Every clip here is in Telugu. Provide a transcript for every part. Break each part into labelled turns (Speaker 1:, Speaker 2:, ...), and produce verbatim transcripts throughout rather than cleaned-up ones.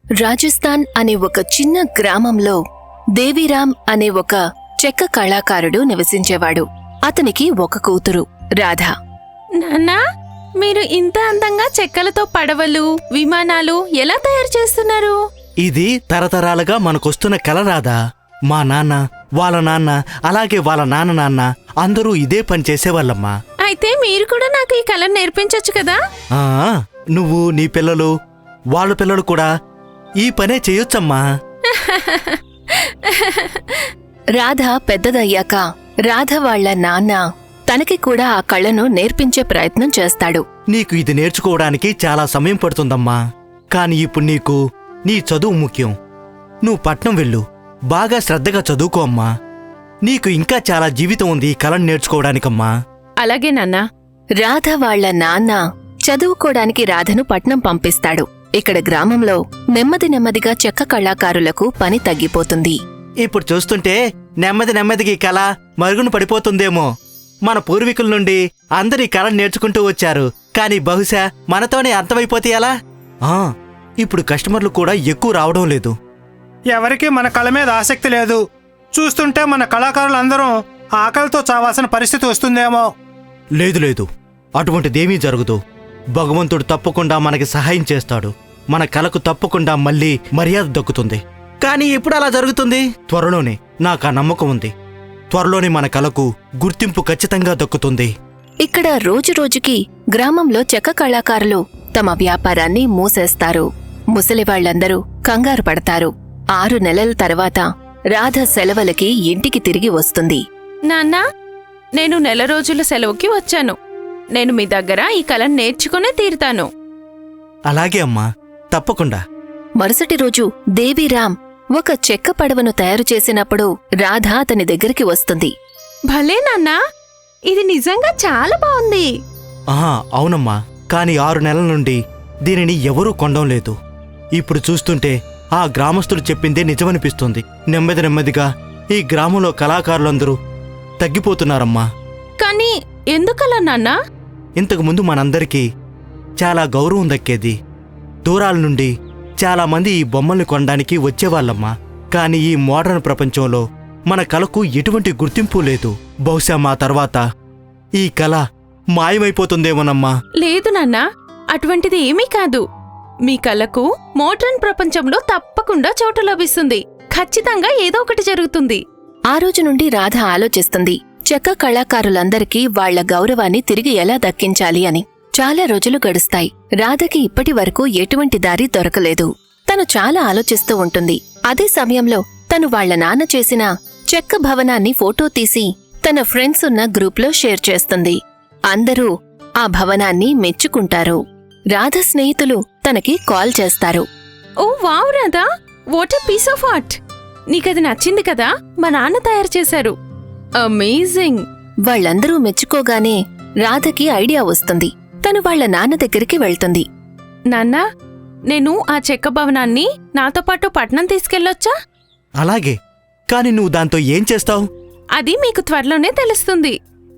Speaker 1: రాజస్థాన్ అనే ఒక చిన్న గ్రామంలో దేవీరామ్ అనే ఒక చెక్క కళాకారుడు నివసించేవాడు. అతనికి ఒక కూతురు రాధ.
Speaker 2: నాన్నా, మీరు ఇంత అందంగా చెక్కలతో పడవలు, విమానాలు ఎలా తయారు చేస్తున్నారు?
Speaker 3: ఇది తరతరాలుగా మనకొస్తున్న కళ రాదా. మా నాన్న, వాళ్ళ నాన్న, అలాగే వాళ్ళ నాన్న నాన్న అందరూ ఇదే పని చేసేవాళ్ళమ్మా.
Speaker 2: అయితే మీరు కూడా నాకు ఈ కళను నేర్పించొచ్చు కదా?
Speaker 3: ఆ నువ్వు, నీ పిల్లలు, వాళ్ళ పిల్లలు కూడా ఈ పనే చేయొచ్చమ్మా.
Speaker 1: రాధ పెద్దదయ్యాక రాధ వాళ్ల నాన్న తనకి కూడా ఆ కళను నేర్పించే ప్రయత్నం చేస్తాడు.
Speaker 3: నీకు ఇది నేర్చుకోవడానికి చాలా సమయం పడుతుందమ్మా. కాని ఇప్పుడు నీకు నీ చదువు ముఖ్యం. నువ్వు పట్నం వెళ్ళు, బాగా శ్రద్ధగా చదువుకో అమ్మా. నీకు ఇంకా చాలా జీవితం ఉంది ఈ కళను నేర్చుకోవడానికమ్మా.
Speaker 2: అలాగే నాన్నా.
Speaker 1: రాధ వాళ్ల నాన్న చదువుకోడానికి రాధను పట్నం పంపిస్తాడు. ఇక్కడ గ్రామంలో నెమ్మది నెమ్మదిగా చెక్క కళాకారులకు పని తగ్గిపోతుంది.
Speaker 3: ఇప్పుడు చూస్తుంటే నెమ్మది నెమ్మదిగా ఈ కళ మరుగున పడిపోతుందేమో. మన పూర్వీకుల నుండి అందరూ ఈ కళను నేర్చుకుంటూ వచ్చారు. కాని బహుశా మనతోనే అంతమైపోతే ఎలా? ఆ ఇప్పుడు కస్టమర్లు కూడా ఎక్కువ రావడం లేదు.
Speaker 4: ఎవరికీ మన కళ మీద ఆసక్తి లేదు. చూస్తుంటే మన కళాకారులందరూ ఆకలితో చావాల్సిన పరిస్థితి వస్తుందేమో.
Speaker 3: లేదు లేదు, అటువంటిదేమీ జరగదు. భగవంతుడు తప్పకుండా మనకి సహాయం చేస్తాడు. మన కళకు తప్పకుండా మళ్ళీ మర్యాద దక్కుతుంది. కానీ ఎప్పుడు అలా జరుగుతుంది? త్వరలోనే. నాకు ఆ నమ్మకం ఉంది. త్వరలోనే మన కళకు గుర్తింపు ఖచ్చితంగా దక్కుతుంది.
Speaker 1: ఇక్కడ రోజురోజుకి గ్రామంలో చెక్క కళాకారులు తమ వ్యాపారాన్ని మూసేస్తారు. ముసలివాళ్లందరూ కంగారు పడతారు. ఆరు నెలల తర్వాత రాధ సెలవులకి ఇంటికి తిరిగి వస్తుంది.
Speaker 2: నాన్నా, నేను నెల రోజుల సెలవుకి వచ్చాను. నేను మీ దగ్గర ఈ కళను నేర్చుకునే తీరుతాను.
Speaker 3: అలాగే అమ్మా, తప్పకుండా.
Speaker 1: మరుసటి రోజు దేవీరామ్ ఒక చెక్క పడవను తయారు చేసినప్పుడు రాధ అతని దగ్గరికి వస్తుంది.
Speaker 2: భలే నాన్నా, ఇది నిజంగా చాలా బాగుంది.
Speaker 3: ఆహా అవునమ్మా, కాని ఆరు నెలల నుండి దీనిని ఎవరూ కొనడం లేదు. ఇప్పుడు చూస్తుంటే ఆ గ్రామస్తులు చెప్పిందే నిజమనిపిస్తుంది. నెమ్మది నెమ్మదిగా ఈ గ్రామంలో కళాకారులందరూ తగ్గిపోతున్నారమ్మా.
Speaker 2: కానీ ఎందుకలా నాన్నా?
Speaker 3: ఇంతకుముందు మనందరికీ చాలా గౌరవం దక్కేది. దూరాల నుండి చాలామంది ఈ బొమ్మల్ని కొనడానికి వచ్చేవాళ్ళమ్మా. కాని ఈ మోడర్న్ ప్రపంచంలో మన కళకు ఎటువంటి గుర్తింపు లేదు. బహుశా మా తర్వాత ఈ కళ మాయమైపోతుందేమోనమ్మా.
Speaker 2: లేదు నాన్నా, అటువంటిది ఏమీ కాదు. మీ కళకు మోడ్రన్ ప్రపంచంలో తప్పకుండా చోటు లభిస్తుంది. ఖచ్చితంగా ఏదో ఒకటి జరుగుతుంది.
Speaker 1: ఆ రోజు నుండి రాధ ఆలోచిస్తుంది చెక్క కళాకారులందరికీ వాళ్ల గౌరవాన్ని తిరిగి ఎలా దక్కించాలి అని. చాలా రోజులు గడుస్తాయి. రాధకి ఇప్పటి వరకు ఎటువంటి దారి దొరకలేదు. తను చాలా ఆలోచిస్తూ ఉంటుంది. అదే సమయంలో తను వాళ్ల నాన్న చేసిన చెక్క భవనాన్ని ఫోటో తీసి తన ఫ్రెండ్స్ ఉన్న గ్రూప్లో షేర్ చేస్తుంది. అందరూ ఆ భవనాన్ని మెచ్చుకుంటారు. రాధ స్నేహితులు తనకి కాల్ చేస్తారు.
Speaker 2: Oh wow Radha, what a piece of art! నీకది నచ్చింది కదా? మా నాన్న తయారు చేశారు. అమేజింగ్!
Speaker 1: వాళ్లందరూ మెచ్చుకోగానే రాధకి ఐడియా వస్తుంది. తను వాళ్ల నాన్న దగ్గరికి వెళ్తుంది.
Speaker 2: నాన్నా, నేను ఆ చెక్క భవనాన్ని నాతో పాటు పట్నం తీసుకెళ్లొచ్చా?
Speaker 3: అలాగే, కాని నువ్వు దాంతో ఏం చేస్తావు?
Speaker 2: అది మీకు త్వరలోనే తెలుస్తుంది.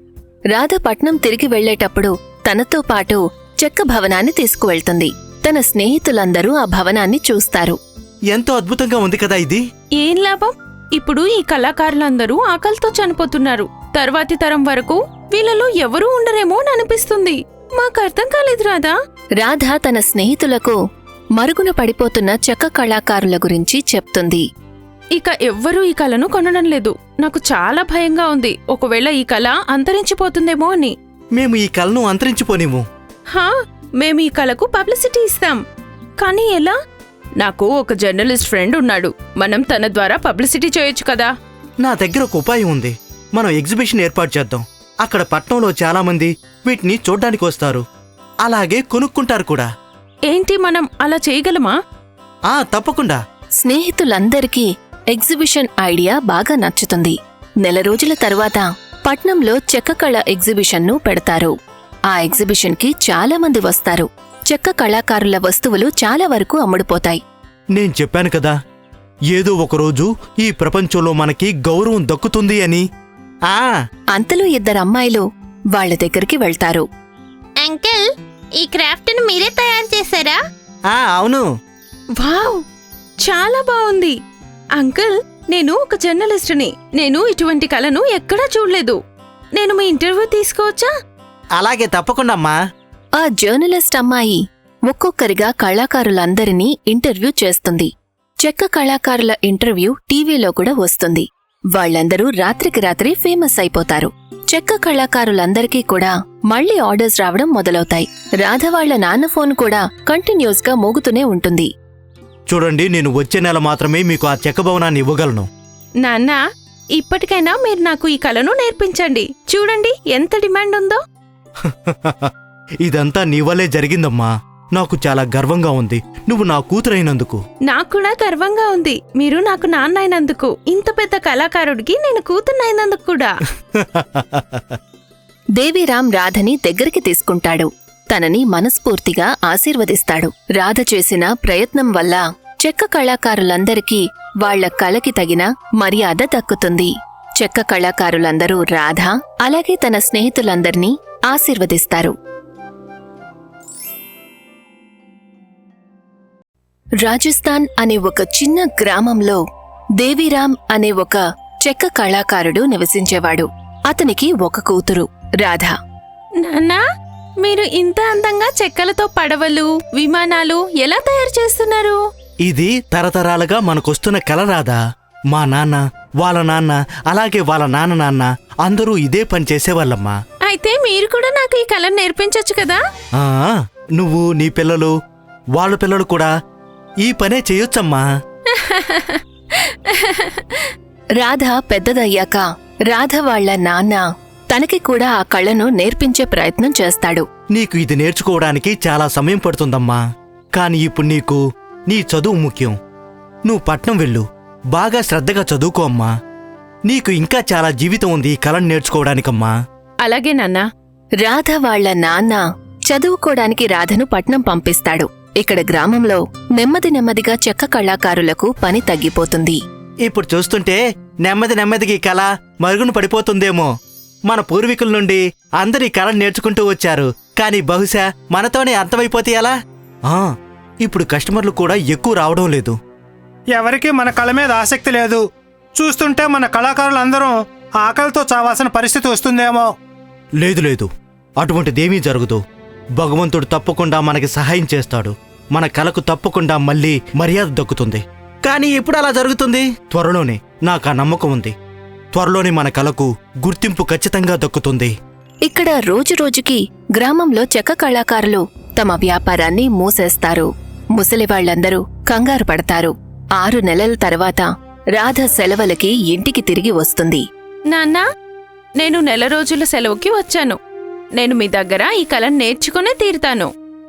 Speaker 1: రాధ పట్నం తిరిగి వెళ్లేటప్పుడు తనతో పాటు చెక్క భవనాన్ని తీసుకువెళ్తుంది. తన స్నేహితులందరూ ఆ భవనాన్ని చూస్తారు.
Speaker 3: ఎంతో అద్భుతంగా ఉంది కదా ఇది.
Speaker 2: ఏం లాభం? ఇప్పుడు ఈ కళాకారులందరూ ఆకలితో చనిపోతున్నారు. తర్వాతి తరం వరకు వీళ్ళలో ఎవరూ ఉండరేమో అని అనిపిస్తుంది. మాకర్థం కాలేదు రాధా.
Speaker 1: రాధ తన స్నేహితులకు మరుగున పడిపోతున్న చెక్క కళాకారుల గురించి చెప్తుంది.
Speaker 2: ఇక ఎవ్వరూ ఈ కళను కొనడం లేదు. నాకు చాలా భయంగా ఉంది. ఒకవేళ ఈ కళ అంతరించిపోతుందేమో అని.
Speaker 3: మేము ఈ కళను అంతరించిపోనివ్వు.
Speaker 2: హా, మేము ఈ కళకు పబ్లిసిటీ ఇస్తాం. కానీ ఎలా? నాకు ఒక జర్నలిస్ట్ ఫ్రెండ్ ఉన్నాడు. మనం తన ద్వారా పబ్లిసిటీ చేయొచ్చు కదా.
Speaker 3: నా దగ్గర ఒక ఉపాయం ఉంది. మనం ఎగ్జిబిషన్ ఏర్పాటు చేద్దాం. అక్కడ పట్నంలో చాలా మంది వీటిని చూడ్డానికి వస్తారు, అలాగే కొనుక్కుంటారు కూడా.
Speaker 2: ఏంటి, మనం అలా చేయగలమా?
Speaker 3: ఆ తప్పకుండా.
Speaker 1: స్నేహితులందరికీ ఎగ్జిబిషన్ ఐడియా బాగా నచ్చుతుంది. నెల రోజుల తరువాత పట్నంలో చెక్క కళ ఎగ్జిబిషన్ను పెడతారు. ఆ ఎగ్జిబిషన్కి చాలా మంది వస్తారు. చెక్క కళాకారుల వస్తువులు చాలా వరకు అమ్ముడుపోతాయి.
Speaker 3: నేను చెప్పాను కదా, ఏదో ఒకరోజు ఈ ప్రపంచంలో మనకి గౌరవం దక్కుతుంది అని. ఆ
Speaker 1: అంతలో ఇద్దరమ్మాయిలు వాళ్ల దగ్గరికి వెళ్తారు.
Speaker 5: అంకిల్, ఈ క్రాఫ్ట్ ను మీరే తయారు చేశారా?
Speaker 3: ఆ అవును.
Speaker 2: వావ్, చాలా బాగుంది. అంకుల్, నేను ఒక జర్నలిస్టుని. నేను ఇటువంటి కళను ఎక్కడా చూడలేదు. నేను మీ ఇంటర్వ్యూ తీసుకోవచ్చా?
Speaker 3: అలాగే తప్పకుండా అమ్మా.
Speaker 1: ఆ జర్నలిస్ట్ అమ్మాయి ఒక్కొక్కరిగా కళాకారులందరినీ ఇంటర్వ్యూ చేస్తుంది. చెక్క కళాకారుల ఇంటర్వ్యూ టీవీలో కూడా వస్తుంది. వాళ్లందరూ రాత్రికి రాత్రి ఫేమస్ అయిపోతారు. చెక్క కళాకారులందరికీ కూడా మళ్లీ ఆర్డర్స్ రావడం మొదలవుతాయి. రాధ వాళ్ల నాన్న ఫోన్ కూడా కంటిన్యూస్ గా మోగుతూనే ఉంటుంది.
Speaker 3: చూడండి, నేను వచ్చే నెల మాత్రమే మీకు ఆ చెక్క భవనాన్ని ఇవ్వగలను.
Speaker 2: నాన్న, ఇప్పటికైనా మీరు నాకు ఈ కళను నేర్పించండి. చూడండి ఎంత డిమాండ్ ఉందో.
Speaker 3: ఇదంతా నీ వల్లే జరిగిందమ్మా. నాకు చాలా గర్వంగా ఉంది నువ్వు నా కూతురైనందుకు.
Speaker 2: నాకు కూడా గర్వంగా ఉంది మీరు నాకు నాన్న అయినందుకు. ఇంత పెద్ద కళాకారుడికి నేను కూతున్నైనందుకు కూడా.
Speaker 1: దేవీరాం రాధని దగ్గరికి తీసుకుంటాడు. తనని మనస్ఫూర్తిగా ఆశీర్వదిస్తాడు. రాధ చేసిన ప్రయత్నం వల్ల చెక్క కళాకారులందరికీ వాళ్ల కళకి తగిన మర్యాద దక్కుతుంది. చెక్క కళాకారులందరూ రాధ అలాగే తన స్నేహితులందర్నీ ఆశీర్వదిస్తారు. రాజస్థాన్ అనే ఒక చిన్న గ్రామంలో దేవీరాం అనే ఒక చెక్క కళాకారుడు నివసించేవాడు. అతనికి ఒక కూతురు రాధ.
Speaker 2: నాన్నా, మీరు ఇంత అందంగా చెక్కలతో పడవలు, విమానాలు ఎలా తయారు చేస్తున్నారు?
Speaker 3: ఇది తరతరాలుగా మనకొస్తున్న కళ రాదా. మా నాన్న, వాళ్ళ నాన్న, అలాగే వాళ్ళ నాన్న నాన్న అందరూ ఇదే పని చేసేవాళ్ళమ్మా.
Speaker 2: అయితే మీరు కూడా నాకు ఈ కళను నేర్పించొచ్చు కదా?
Speaker 3: ఆ, నువ్వు, నీ పిల్లలు, వాళ్ళ పిల్లలు కూడా ఈ పనే చేయొచ్చమ్మా.
Speaker 1: రాధ పెద్దదయ్యాక రాధ వాళ్ల నాన్న తనకి కూడా ఆ కళను నేర్పించే ప్రయత్నం చేస్తాడు.
Speaker 3: నీకు ఇది నేర్చుకోవడానికి చాలా సమయం పడుతుందమ్మా. కాని ఇప్పుడు నీకు నీ చదువు ముఖ్యం. నువ్వు పట్నం వెళ్ళు, బాగా శ్రద్ధగా చదువుకో అమ్మా. నీకు ఇంకా చాలా జీవితం ఉంది ఈ కళను నేర్చుకోవడానికమ్మా.
Speaker 2: అలాగే నాన్నా.
Speaker 1: రాధ వాళ్ల నాన్న చదువుకోడానికి రాధను పట్నం పంపిస్తాడు. ఇక్కడ గ్రామంలో నెమ్మది నెమ్మదిగా చెక్క కళాకారులకు పని తగ్గిపోతుంది.
Speaker 3: ఇప్పుడు చూస్తుంటే నెమ్మది నెమ్మదిగా ఈ కళ మరుగున పడిపోతుందేమో. మన పూర్వీకుల నుండి అందరూ ఈ కళను నేర్చుకుంటూ వచ్చారు. కాని బహుశా మనతోనే అంతమైపోతే ఎలా? ఆ, ఇప్పుడు కస్టమర్లు కూడా ఎక్కువ రావడం లేదు.
Speaker 4: ఎవరికీ మన కళ మీద ఆసక్తి లేదు. చూస్తుంటే మన కళాకారులందరూ ఆకలితో చావాల్సిన పరిస్థితి వస్తుందేమో.
Speaker 3: లేదు లేదు, అటువంటిదేమీ జరగదు. భగవంతుడు తప్పకుండా మనకి సహాయం చేస్తాడు. మన కళకు తప్పకుండా మళ్ళీ మర్యాద దక్కుతుంది. కానీ ఎప్పుడు అలా జరుగుతుంది? త్వరలోనే. నాకు ఆ నమ్మకం ఉంది. త్వరలోనే మన కళకు గుర్తింపు ఖచ్చితంగా దక్కుతుంది.
Speaker 1: ఇక్కడ రోజురోజుకి గ్రామంలో చెక్క కళాకారులు తమ వ్యాపారాన్ని మూసేస్తారు. ముసలివాళ్లందరూ కంగారు పడతారు. ఆరు నెలల తర్వాత రాధ సెలవులకి ఇంటికి తిరిగి వస్తుంది.
Speaker 2: నాన్నా, నేను నెల రోజుల సెలవుకి వచ్చాను. నేను మీ దగ్గర ఈ కళను నేర్చుకునే తీరుతాను.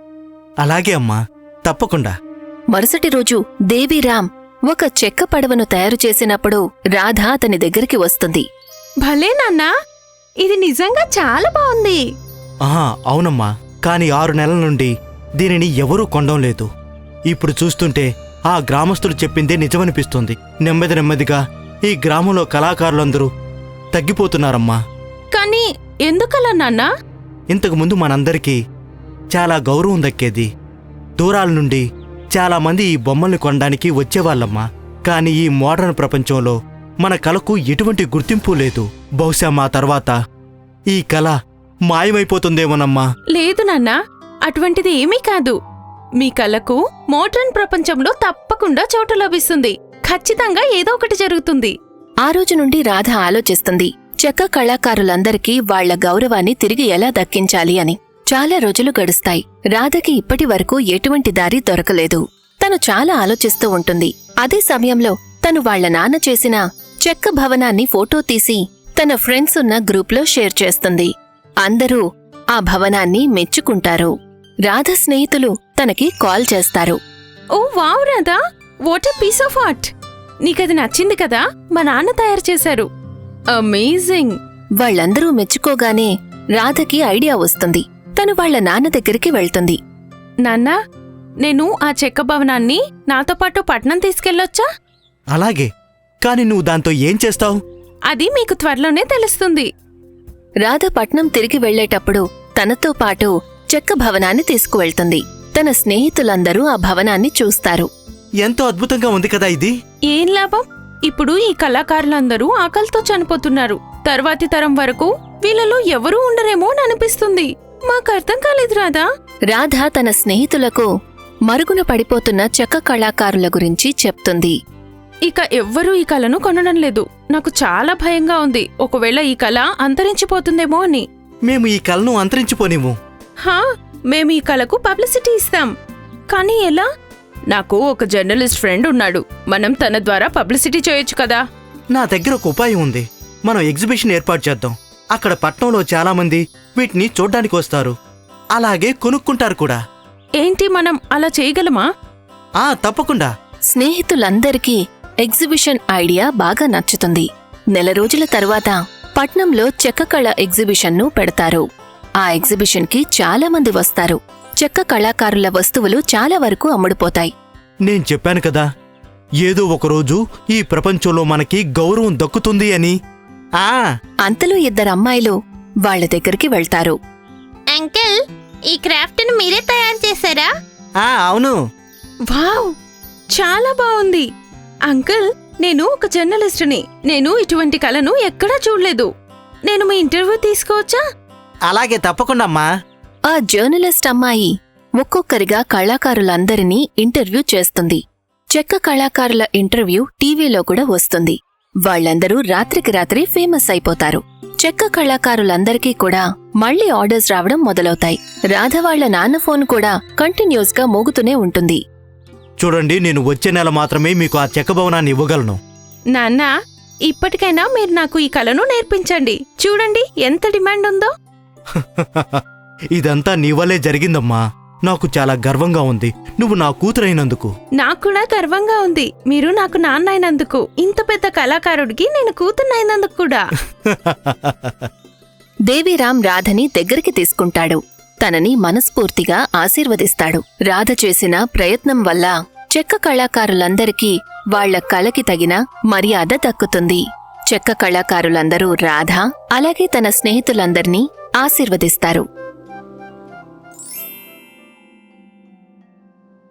Speaker 3: అలాగే అమ్మా, తప్పకుండా.
Speaker 1: మరుసటి రోజు దేవీరాం ఒక చెక్క పడవను తయారు చేసినప్పుడు రాధ అతని దగ్గరికి వస్తుంది.
Speaker 2: భలే నాన్నా, ఇది నిజంగా చాలా బాగుంది.
Speaker 3: ఆహా, అవునమ్మా. కాని ఆరు నెలల నుండి దీనిని ఎవరూ కొనడం లేదు. ఇప్పుడు చూస్తుంటే ఆ గ్రామస్తులు చెప్పిందే నిజమనిపిస్తుంది. నెమ్మది నెమ్మదిగా ఈ గ్రామంలో కళాకారులందరూ తగ్గిపోతున్నారమ్మా.
Speaker 2: కానీ ఎందుకలా నాన్నా?
Speaker 3: ఇంతకుముందు మనందరికీ చాలా గౌరవం దక్కేది. దూరాల నుండి చాలా మంది ఈ బొమ్మల్ని కొనడానికి వచ్చేవాళ్ళమ్మా. కాని ఈ మోడర్న్ ప్రపంచంలో మన కళకు ఎటువంటి గుర్తింపు లేదు. బహుశా మా తర్వాత ఈ కళ మాయమైపోతుందేమోనమ్మా.
Speaker 2: లేదు నాన్నా, అటువంటిది ఏమీ కాదు. మీ కళకు మోడ్రన్ ప్రపంచంలో తప్పకుండా చోటు లభిస్తుంది. ఖచ్చితంగా ఏదో ఒకటి జరుగుతుంది.
Speaker 1: ఆ రోజు నుండి రాధ ఆలోచిస్తుంది చెక్క కళాకారులందరికీ వాళ్ల గౌరవాన్ని తిరిగి ఎలా దక్కించాలి అని. చాలా రోజులు గడుస్తాయి. రాధకి ఇప్పటి వరకు ఎటువంటి దారి దొరకలేదు. తను చాలా ఆలోచిస్తూ ఉంటుంది. అదే సమయంలో తను వాళ్ల నాన్న చేసిన చెక్క భవనాన్ని ఫోటో తీసి తన ఫ్రెండ్స్ ఉన్న గ్రూప్లో షేర్ చేస్తుంది. అందరూ ఆ భవనాన్ని మెచ్చుకుంటారు. రాధ స్నేహితులు తనకి కాల్ చేస్తారు.
Speaker 2: Oh wow Radha, what a piece of art. నీకది నచ్చింది కదా? మా నాన్న తయారు చేశారు. అమేజింగ్.
Speaker 1: వాళ్లందరూ మెచ్చుకోగానే రాధకి ఐడియా వస్తుంది. తను వాళ్ల నాన్న దగ్గరికి వెళ్తుంది.
Speaker 2: నాన్నా, నేను ఆ చెక్క భవనాన్ని నాతో పాటు పట్నం తీసుకెళ్లొచ్చా?
Speaker 3: అలాగే. కాని నువ్వు దాంతో ఏం చేస్తావు?
Speaker 2: అది మీకు త్వరలోనే తెలుస్తుంది.
Speaker 1: రాధ పట్నం తిరిగి వెళ్లేటప్పుడు తనతో పాటు చెక్క భవనాన్ని తీసుకువెళ్తుంది. తన స్నేహితులందరూ ఆ భవనాన్ని చూస్తారు.
Speaker 3: ఎంతో అద్భుతంగా ఉంది కదా ఇది.
Speaker 2: ఏం లాభం? ఇప్పుడు ఈ కళాకారులందరూ ఆకలితో చనిపోతున్నారు. తర్వాతి తరం వరకు వీళ్ళలో ఎవరూ ఉండరేమో అని అనిపిస్తుంది. మాకు అర్థం కాలేదు రాధా.
Speaker 1: రాధ తన స్నేహితులకు మరుగున పడిపోతున్న చెక్క కళాకారుల గురించి చెప్తుంది.
Speaker 2: ఇక ఎవ్వరూ ఈ కళను కొనడం లేదు. నాకు చాలా భయంగా ఉంది. ఒకవేళ ఈ కళ అంతరించిపోతుందేమో అని.
Speaker 3: మేము ఈ కళను అంతరించిపోనిము.
Speaker 2: హా, మేము ఈ కళకు పబ్లిసిటీ ఇస్తాం. కానీ ఎలా? నాకు ఒక జర్నలిస్ట్ ఫ్రెండ్ ఉన్నాడు. మనం తన ద్వారా పబ్లిసిటీ చేయొచ్చు కదా.
Speaker 3: నా దగ్గర ఒక ఉపాయం ఉంది. మనం ఎగ్జిబిషన్ ఏర్పాటు చేద్దాం. అక్కడ పట్నంలో చాలా మంది వీటిని చూడ్డానికి వస్తారు, అలాగే కొనుక్కుంటారు కూడా.
Speaker 2: ఏంటి, మనం అలా చేయగలమా?
Speaker 3: ఆ తప్పకుండా.
Speaker 1: స్నేహితులందరికీ ఎగ్జిబిషన్ ఐడియా బాగా నచ్చుతుంది. నెల రోజుల తరువాత పట్నంలో చెక్క కళ ఎగ్జిబిషన్ను పెడతారు. ఆ ఎగ్జిబిషన్కి చాలా మంది వస్తారు. చెక్క కళాకారుల వస్తువులు చాలా వరకు అమ్ముడుపోతాయి.
Speaker 3: నేను చెప్పాను కదా, ఏదో ఒకరోజు ఈ ప్రపంచంలో మనకి గౌరవం దక్కుతుంది అని. ఆ
Speaker 1: అంతలో ఇద్దరు అమ్మాయిలు వాళ్ల దగ్గరికి వెళ్తారు.
Speaker 5: అంకిల్, ఈ క్రాఫ్ట్ను మీరే తయారు చేశారా?
Speaker 3: ఆ అవును.
Speaker 2: వావ్, చాలా బావుంది. అంకుల్, నేను ఒక జర్నలిస్టుని. నేను ఇటువంటి కళను ఎక్కడా చూడలేదు. నేను మీ ఇంటర్వ్యూ తీసుకోవచ్చా?
Speaker 3: అలాగే తప్పకుండా అమ్మా.
Speaker 1: ఆ జర్నలిస్ట్ అమ్మాయి ఒక్కొక్కరిగా కళాకారులందరినీ ఇంటర్వ్యూ చేస్తుంది. చెక్క కళాకారుల ఇంటర్వ్యూ టీవీలో కూడా వస్తుంది. వాళ్లందరూ రాత్రికి రాత్రి ఫేమస్ అయిపోతారు. చెక్క కళాకారులందరికీ కూడా మళ్లీ ఆర్డర్స్ రావడం మొదలవుతాయి. రాధ వాళ్ల నాన్న ఫోన్ కూడా కంటిన్యూస్ గా మోగుతూనే ఉంటుంది.
Speaker 3: చూడండి, నేను వచ్చే నెల మాత్రమే మీకు ఆ చెక్క భవనాన్ని ఇవ్వగలను.
Speaker 2: నాన్న, ఇప్పటికైనా మీరు నాకు ఈ కళను నేర్పించండి. చూడండి ఎంత డిమాండ్ ఉందో.
Speaker 3: ఇదంతా నీ వల్లే జరిగిందమ్మా. నాకు చాలా గర్వంగా ఉంది నువ్వు నా కూతురైనందుకు.
Speaker 2: నాకు కూడా గర్వంగా ఉంది మీరు నాకు నాన్న అయినందుకు. ఇంత పెద్ద కళాకారుడికి నేను కూతున్నైనందుకు కూడా.
Speaker 1: దేవీరాం రాధని దగ్గరికి తీసుకుంటాడు. తనని మనస్ఫూర్తిగా ఆశీర్వదిస్తాడు. రాధ చేసిన ప్రయత్నం వల్ల చెక్క కళాకారులందరికీ వాళ్ల కళకి తగిన మర్యాద దక్కుతుంది. చెక్క కళాకారులందరూ రాధ అలాగే తన స్నేహితులందర్నీ ఆశీర్వదిస్తారు.